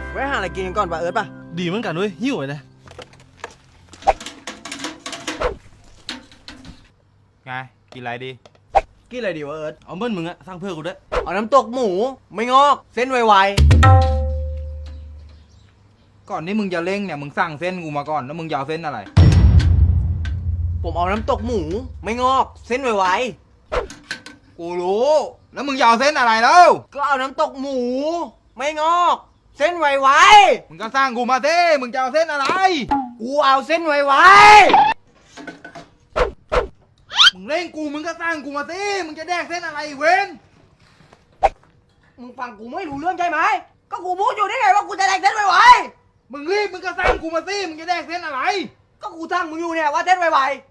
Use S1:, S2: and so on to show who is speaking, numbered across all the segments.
S1: ไว้หาอะไรกินกันก่อนป่ะเอิร์ธป่ะ
S2: ดีเหมือนกันเว้ยหิวเลย
S3: ไงกินอะไรดี
S1: กินอะไรดีวะเอิร์ธ
S2: เอาเบิ้ลมึงอะสร้างเพื่อกูด้วย
S1: เอาน้ำตกหมูไม่งอกเส้นไว
S3: ก่อนที่มึงจะเล่งเนี่ยมึงสั่งเส้นกูมาก่อนแล้วมึงจะเอาเส้นอะไร
S1: ๆผมเอาน้ำตกหมูไม่งอกเส้นไว
S3: กูรู้แล้วมึงจะเอาเส้นอะไรแล้ว
S1: ๆก็เอาน้ำตกหมูไม่งอกเส้นไว
S3: มึงก็สร้างกูมาสิมึงจะเอาเส้นอะไร
S1: ๆกูเอาเส้นไว
S3: มึงเล่งกูมึงก็สร้างกูมาสิมึงจะแดกเส้นอะไรอีกเว้น
S1: มึงฟังกูไม่รู้เรื่องใช่ไหมก็กูพูดอยู่ได้ไงว่ากูจะแดกเส้นไว
S3: มึงรีบมึงก็สร้างกูมาสิมึงจะแดกเส้นอะไร
S1: ๆก็กูทั้งมึงอยู่เนี่ยว่าเส้นไวๆ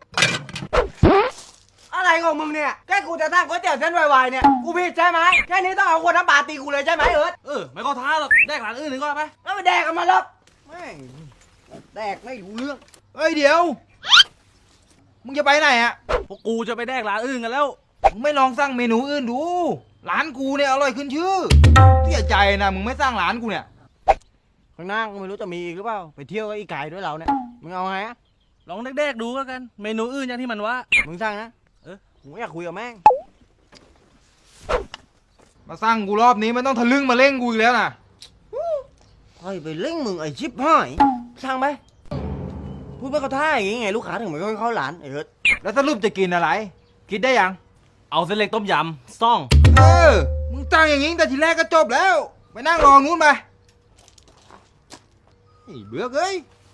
S1: อะไรของมึงเนี่ยแค่กูจะทั้งก๋วยเตี๋ยวเส้นไวๆเนี่ยกูผิดใช่ไหมแค่นี้ต้องเอาคนน้ำปลาตีกูเลยใช่ไหมเอิร์ธ
S2: ไม่ก็ท้าหรอกแดกร้านอื่นหนึ่งก็ไป
S1: แล้วไปแดกกันมาแล้วแม่งแดกไม่รู้เรื่อง
S3: เฮ้ยเดี๋ยวมึงจะไปไหนอะ
S2: พวกกูจะไปแดกร้านอื่นกันแล้ว
S3: มึงไม่ลองสร้างเมนูอื่นดูร้านกูเนี่ยอร่อยขึ้นชื่อเสียใจนะมึงไม่สร้างร้านกูเนี่ย
S1: ข้างหน้าก็ไม่รู้จะมีอีกหรือเปล่าไปเที่ยวกับอีไก่ด้วยเราเนี่ยมึงเอาไงอะ
S2: ลองแดกดูแล้วกันเมนูอื่นอย่างที่มันว่า
S1: มึงสร้างนะกูอยากคุยกับแม่ง
S3: มาสร้างกูรอบนี้ไม่ต้องทะลึ่งมาเล่งกูอีกแล้วนะ
S1: เฮ้ยไปเล่งมึงไอ้ชิบหายสร้างไหมพูดไม่เข้าท่าอย่างงี้ไงลูกค้าถึงไม่ค่อยเข้าร้านไอ้เอิร์ธ
S3: แล้วสรุปจะกินอะไรคิดได้ยัง
S2: เอาเส้นเล็กต้มยำซ่อง
S3: มึงตั้งอย่างงี้แต่ทีแรกก็จบแล้วไปนั่งรอนู้นไปเบื่อเอ้ย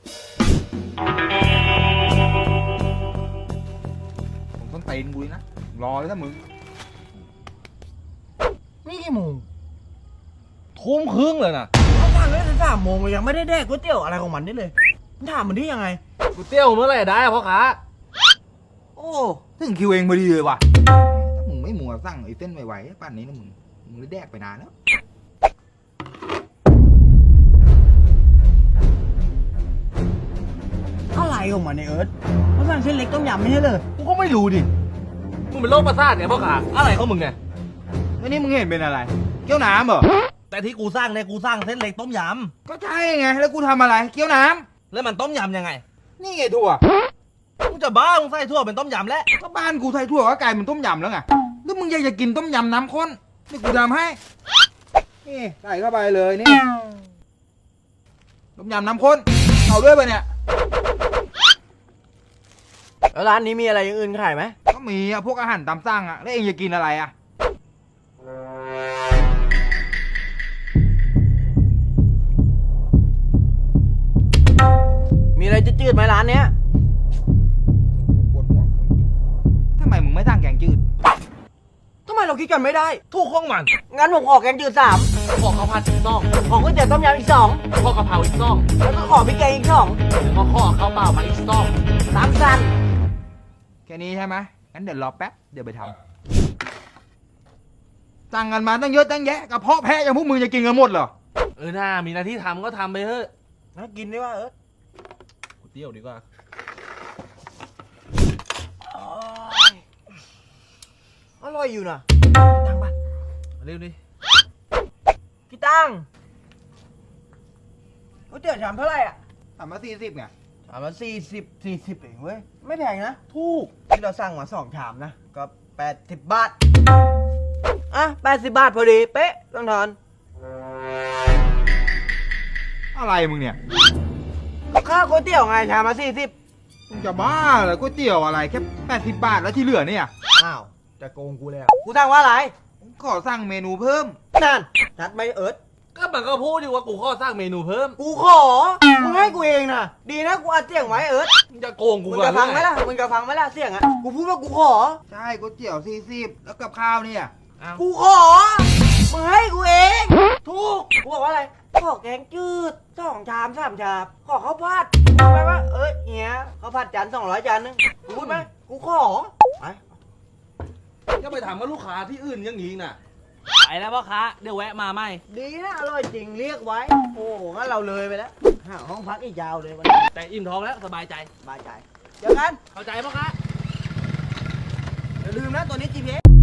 S3: ผมต้องเตนกูนะรอเลยถ้ามึง
S1: นี่กี่โมง
S2: ทุ่มครึ่งเลยนะ
S1: เขาฟังเลย3 โมงยังไม่ได้แดกก๋วยเตี๋ยวอะไรของมันนี่เลยถามมันได้ยังไง
S2: ก๋วยเตี๋ยวเมื่อไหร่ได้พ่อค้า
S1: โอ้
S3: ถึงคิวเองพอดีเลยว่ะถ้ามึงไม่มัวสั่งไอ้เส้นไวๆป่านนี้นะมึงได้แดกไปนานแล้ว
S1: อะไรของมันเนี่ยเอิร์ธเขาสั่งเส้นเล็กต้มยำไม่ใช่เลย
S2: กูก็ไม่รู้ดิมึงเป็นโรคประสาทเนี่ยพ่อค้าอะไรของมึงเนี่ย
S3: วันนี้มึงเห็นเป็นอะไรเกี๊ยวน้ำเหรอ
S2: แต่ที่กูสร้างเนี่ยกูสร้างเส้นเล็กต้มย
S3: ำก็ใช่ไงแล้วกูทำอะไรเกี๊ยวน้
S2: ำแล้วมันต้มยำยังไง
S3: นี่ไงถั่ว
S2: มึงจะบ้ามึงใส่ถั่วเป็นต้มยำแล้ว
S3: ก็บ้านกูใส่ถั่วก็กลายเป็นต้มยำแล้วไงแล้วมึงอยากจะกินต้มยำน้ำข้นนี่กูทำให้นี่ใส่เข้าไปเลยนี่ต้มยำน้ำข้นเอาด้วยไปเนี่ย
S1: แล้วร้านนี้มีอะไรอย่างอื่นขายไหม
S3: ก็มีอะพวกอาหารตามสั่งอะแล้วเองจะกินอะไรอะ
S1: มีอะไรจืดๆไหมร้านเนี้ย
S3: ปวดหัวทำไมมึงไม่สั่งแกงจืด
S1: ทำไมเราคิดกันไม่ได้
S2: ถูกข้องมัน
S1: งั้นผมขอแกงจืด3
S2: ขอข้าวผัดอีก2
S1: ขอก๋วยเตี๋ยวต้มยำอีก2
S2: ขอกะเพราอีก2
S1: แล้วก็ขอพริกแกงอีก2
S2: แล้วก็ขอข้าวเปล่ามาอีก2
S1: 3 จาน
S3: แค่นี้ใช่ไหมงั้นเดี๋ยวรอแป๊บเดี๋ยวไปทำสั่งกันมาตั้งเยอะตั้งแยะกระเพาะแพะอย่างพวกมึงจะกินกันหมดเหรอ
S2: น่ามีหน้าที่ทำก็ทำไปเถอะ
S1: นะกินดีว่า
S2: ก๋วยเตี๋ยวดีกว่า
S1: อร่อยอยู่นะตังปะ
S2: เร็วดิ
S1: พี่ตังก๋วยเตี๋ยวชามเท่าไหร่อ่ะ
S3: ถามมา40ไง
S1: ชามละ40เองเว้ยไม่แพงนะถูกที่เราสั่งมา2 ชามนะก็80 บาทอ่ะ80 บาทพอดีเป๊ะต้องทอน
S3: อะไรมึงเนี่ย
S1: ค่าก๋วยเตี๋ยวไงชามละ40
S3: มึงจะบ้าเหรอก๋วยเตี๋ยวอะไรแค่80 บาทแล้วที่เหลือเนี่ย
S1: อ้าวจะโกงกูเลยกูสั่งว่าอะไร
S3: ขอสั่งเมนูเพิ่ม
S1: นั่นชัดไหมเอิร์ธ
S2: ก็มันก็พูดอยู่ว่ากูขอสร้างเมนูเพิ่ม
S1: กูขอมึงให้กูเองนะดีนะกูอัดเสียงไว้เอิร์ธ
S2: มึงจะโกงกู
S1: มึงจะฟังไหมล่ะเสียงอ่ะกูพูดว่ากูขอ
S3: ใช่ก๋วยเตี๋ยว40แล้วกับข้าวเนี่ย
S1: กูขอมึงให้กูเองถูกกูบอกว่าอะไรขอแกงจืด2 ชาม3 ชามขอข้าวผัดพูดไหมว่าเนี้ยข้าวผัดจาน200 จานนึงพูดไหมกูขอไป
S2: ก็ไปถามกับลูกค้าที่อื่นอย่างนี้น่ะไปแล้วพ่อค้าเดี๋ยวแวะมาไหม
S1: ดีนะอร่อยจริงเรียกไว้โอ้งั้นเราเลยไปแล้วหาห้องพักอีกยาวเลยวัน
S2: แต่อิ่มท้องแล้วสบายใจ
S1: เดี๋ยวกัน
S2: เข้าใจพ่อค้า
S1: อย่าลืมนะตัวนี้ GPS